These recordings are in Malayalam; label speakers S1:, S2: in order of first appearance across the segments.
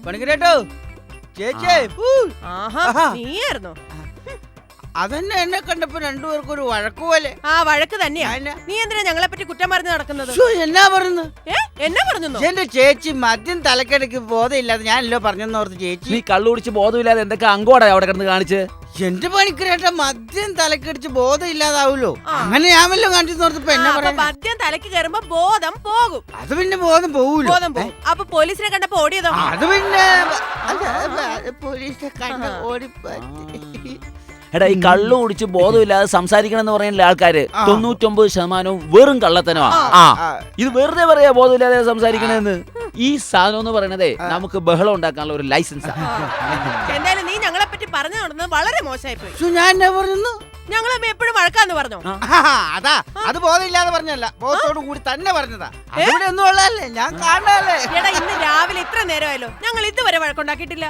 S1: പണിക്കരേട്ടോ ചേച്ചി
S2: നീയായിരുന്നോ?
S1: അതന്നെ എന്നെ കണ്ടപ്പോ രണ്ടുപേർക്കും ഒരു വഴക്ക് പോലെ.
S2: ആ വഴക്ക് തന്നെയാ. നീ എന്തിനാ ഞങ്ങളെ പറ്റി കുറ്റം പറഞ്ഞ് നടക്കുന്നത്?
S1: എന്നാ പറഞ്ഞു?
S2: എന്നാ പറഞ്ഞു?
S1: എന്റെ ചേച്ചി മദ്യം തലക്കടിക്ക് ബോധമില്ലാതെ ഞാനല്ലോ പറഞ്ഞെന്നോർത്ത് ചേച്ചി.
S3: നീ കള്ളു കുടിച്ച് ബോധമില്ലാതെ എന്തൊക്കെ അങ്കോടാ അവിടെ കിടന്ന് കാണിച്ച്?
S1: എന്റെ പണിക്കരേട്ട മദ്യം തലക്കടിച്ച് ബോധം ഇല്ലാതാവൂലോ, അങ്ങനെ ഞാൻ വല്ലോ കാണിച്ചെന്നോർത്തപ്പോ എന്നാ പറയാ?
S2: മദ്യം തലക്ക് കയറുമ്പോ ബോധം പോകും.
S1: അത് പിന്നെ ബോധം പോവൂലോ.
S2: ബോധം പോകും. അപ്പൊ പോലീസിനെ കണ്ടപ്പോ ഓടിയതോ?
S1: അത് പിന്നെ പോലീസിനെ കണ്ട ഓടിപ്പറ്റി.
S3: എടാ, ഈ കള്ളു കുടിച്ച് ബോധമില്ലാതെ സംസാരിക്കണം എന്ന് പറയുന്ന ആൾക്കാര് 99% വെറും കള്ളത്തനമാ. ഇത് വെറുതെ പറയാ ബോധമില്ലാതെ സംസാരിക്കണെന്ന്. ഈ സാധനം എന്ന് പറയണതേ നമുക്ക് ബഹളം ഉണ്ടാക്കാനുള്ള ഒരു ലൈസൻസാ.
S2: എന്തായാലും നീ ഞങ്ങളെ പറ്റി പറഞ്ഞു നടന്നത് വളരെ മോശമായി പോയി.
S1: ഞാൻ എന്നാ പറഞ്ഞു?
S2: ഞങ്ങൾ എപ്പോഴും വഴക്കാന്ന് പറഞ്ഞോ?
S1: അതാ, അത് ബോധമില്ലാതെ പറഞ്ഞല്ല, ബോധത്തോടു കൂടി തന്നെ പറഞ്ഞതാ. ഇവിടെ ഒന്നും ഉള്ളതല്ലേ, ഞാൻ കാണാല്ലേ.
S2: എടാ, ഇന്ന് രാവിലെ ഇത്ര നേരമായല്ലോ, ഞങ്ങൾ ഇതുവരെ വഴക്കുണ്ടാക്കിയിട്ടില്ല.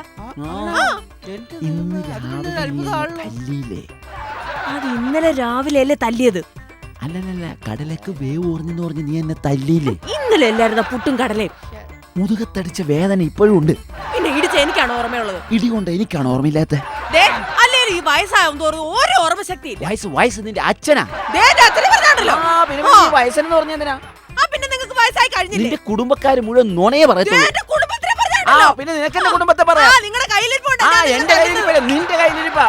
S3: അത്
S2: ഇന്നലെ രാവിലെ അല്ലേ തല്ലിയത്?
S3: അല്ലല്ല, കടലക്ക് വേവ് ഓർഞ്ഞെന്ന് പറഞ്ഞ് നീ എന്നെ തല്ലിയില്ലേ?
S2: ഇന്നലെ എല്ലായിരുന്ന പുട്ടും കടലയും.
S3: മുതുകത്തടിച്ച വേദന ഇപ്പോഴും ഉണ്ട്.
S2: പിന്നെ ഇടിച്ച എനിക്കാണ് ഓർമ്മയുള്ളത്.
S3: ഇടികൊണ്ട് എനിക്കാണ് ഓർമ്മയില്ലാത്ത.
S2: ഈ വയസ്സാവും തോറും ഓരോ ഓർമ്മശക്തി.
S3: വയസ്സ് നിന്റെ അച്ഛനാ. വയസ്സെന്ന് പറഞ്ഞെന്തിനാ?
S2: പിന്നെ നിങ്ങൾക്ക് വയസ്സായി കഴിഞ്ഞില്ലേ?
S3: നിന്റെ കുടുംബക്കാര് മുഴുവൻ നുണയെ പറയത്തുള്ളൂ. പിന്നെ നിനക്ക് എന്റെ കുടുംബത്തെ പറയാം.
S2: നിങ്ങളുടെ കയ്യിലിരിപ്പുണ്ട്.
S3: എന്റെ കയ്യിലിരിപ്പല്ല, നിന്റെ കയ്യിലിരിപ്പാ.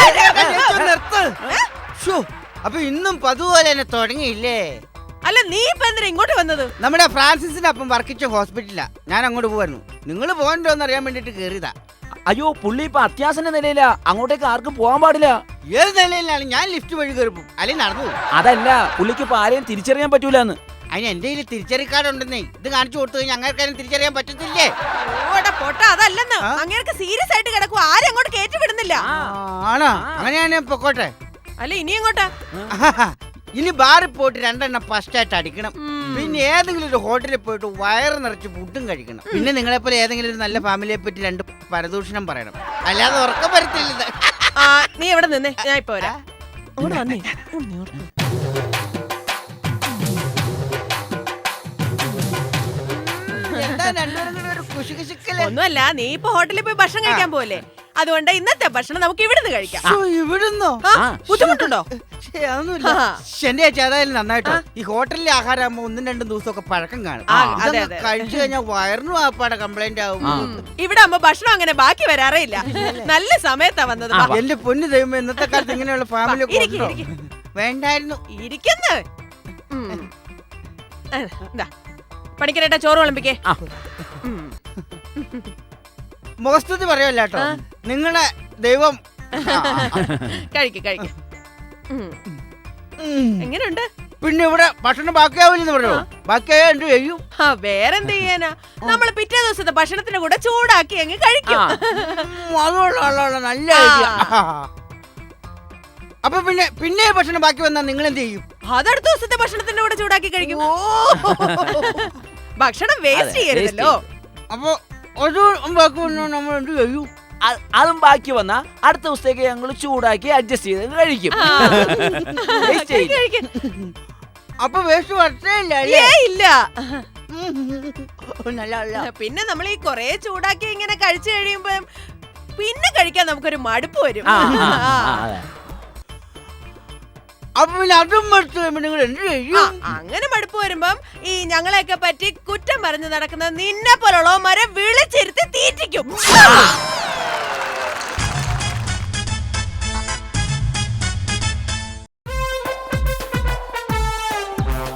S1: അപ്പൊ ഇന്നും പതുപോലെ തന്നെ തുടങ്ങിയില്ലേ?
S2: അല്ല, നീ ഇപ്പൊ എന്തിനാ ഇങ്ങോട്ട് വന്നത്?
S1: നമ്മുടെ ഫ്രാൻസിസിന്റെ അപ്പം വർക്കിച്ച ഹോസ്പിറ്റലാ. ഞാൻ അങ്ങോട്ട് പോവായിരുന്നു. നിങ്ങൾ പോകണ്ടോന്ന് അറിയാൻ വേണ്ടിട്ട് കേറിയതാ.
S3: അയ്യോ, പുള്ളി ഇപ്പൊ അത്യാവശ്യ നിലയിലാ. അങ്ങോട്ടേക്ക് ആർക്കും പോകാൻ പാടില്ല.
S1: ഏത് നിലയിലാണ്? ഞാൻ ലിഫ്റ്റ് വഴി കയറിപ്പോ, അല്ലെങ്കിൽ നടന്നു.
S3: അതല്ല, പുള്ളിക്ക് ഇപ്പൊ ആരെയും തിരിച്ചറിയാൻ പറ്റൂലെന്ന്.
S1: അതിന് എന്റെ കയ്യിൽ തിരിച്ചറി കാർഡ് ഉണ്ടെന്നേ. ഇത് കാണിച്ചു കൊടുത്തു കഴിഞ്ഞാൽ അങ്ങേർക്കാരും തിരിച്ചറിയാൻ പറ്റത്തില്ലേ?
S2: അതല്ലെന്ന്, അങ്ങേർക്ക് സീരിയസ് ആയിട്ട് കിടക്കും. ആരും അങ്ങോട്ട് കയറ്റി വിടുന്നില്ല.
S1: ആണോ? അങ്ങനെയാണ് പൊക്കോട്ടെ.
S2: അല്ല, ഇനി എങ്ങോട്ടാ?
S1: ഇനി ബാറിൽ പോയിട്ട് 2 എണ്ണം ഫസ്റ്റ് ആയിട്ട് അടിക്കണം. പിന്നെ ഏതെങ്കിലും ഒരു ഹോട്ടലിൽ പോയിട്ട് വയറ് നിറച്ച് ഫുഡും കഴിക്കണം. പിന്നെ നിങ്ങളെപ്പോലെ ഏതെങ്കിലും ഒരു നല്ല ഫാമിലിയെ പറ്റി 2 പരദൂഷണം പറയണം. അല്ലാതെ ഉറക്കം വരത്തില്ല.
S2: നീ എവിടെ നിന്നേ, ഞാൻ ഇപ്പൊ വരാം. ഒന്നുമല്ല, നീ ഇപ്പൊ ഹോട്ടലിൽ പോയി ഭക്ഷണം കഴിക്കാൻ പോലെ. അതുകൊണ്ട് ഇന്നത്തെ ഭക്ഷണം നമുക്ക് ഇവിടുന്ന് കഴിക്കാം.
S1: ഇവിടുന്നോ?
S2: ബുദ്ധിമുട്ടുണ്ടോ?
S1: എന്റെ ചേച്ചി അതായാലും നന്നായിട്ടോ. ഈ ഹോട്ടലിലെ ആഹാരം ആകുമ്പോ 1-2 ദിവസമൊക്കെ പഴക്കം കാണും. കഴിച്ചു കഴിഞ്ഞാൽ വയറിനും ആപ്പാടെ കംപ്ലൈന്റ് ആവും.
S2: ഇവിടെ ആകുമ്പോ ഭക്ഷണം അങ്ങനെ ബാക്കി വരാറേ ഇല്ല. നല്ല സമയത്താ വന്നത്.
S1: എന്റെ പൊന്നു ദൈവം, ഇന്നത്തെ കാലത്ത് ഇങ്ങനെയുള്ള ഫാമിലി വേണ്ടായിരുന്നു.
S2: ഇരിക്കുന്നു. പണിക്കരേട്ടാ, ചോറ് വിളമ്പിക്കേ.
S1: മുഖസ്തുതി പറയല്ലോ കേട്ടോ. നിങ്ങളുടെ ദൈവം
S2: കഴിക്കും. എങ്ങനെയുണ്ട്?
S1: പിന്നെ ഇവിടെ ഭക്ഷണം ബാക്കിയാവില്ലെന്ന് പറഞ്ഞോ? ബാക്കിയായ എന്ത് ചെയ്യും?
S2: വേറെന്ത് ചെയ്യാനാ, നമ്മള് പിറ്റേ ദിവസത്തെ ഭക്ഷണത്തിന്റെ കൂടെ ചൂടാക്കി അങ്ങ് കഴിക്കും.
S1: അതുകൊള്ള നല്ല ഐഡിയ. അപ്പൊ പിന്നെ ഭക്ഷണം ബാക്കി വന്നാൽ നിങ്ങൾ എന്ത് ചെയ്യും?
S2: അതടുത്ത ദിവസത്തെ ഭക്ഷണത്തിന്റെ കൂടെ ചൂടാക്കി കഴിക്കും. ഭക്ഷണം വേസ്റ്റ് ചെയ്യരുതല്ലോ.
S1: അപ്പൊ അതും ബാക്കി വന്നാൽ നമ്മൾ എന്ത് ചെയ്യും?
S3: അതും ബാക്കി വന്നാ അടുത്ത ദിവസത്തേക്ക് ഞങ്ങൾ ചൂടാക്കി അഡ്ജസ്റ്റ് ചെയ്ത് കഴിക്കും.
S1: അപ്പൊ വേസ്റ്റ് വരത്തേയില്ല.
S2: പിന്നെ നമ്മൾ ഈ കൊറേ ചൂടാക്കി ഇങ്ങനെ കഴിച്ചു കഴിയുമ്പോ പിന്നെ കഴിക്കാൻ നമുക്കൊരു മടുപ്പ് വരും.
S1: അപ്പൊ പിന്നെ അതും നിങ്ങൾ എന്ത് ചെയ്യും?
S2: അങ്ങനെ മടുപ്പ് വരുമ്പം ഈ ഞങ്ങളെയൊക്കെ പറ്റി കുറ്റം പറഞ്ഞു നടക്കുന്ന നിന്നെ പോലുള്ളവന്മാരെ വിളിച്ചിരുത്തി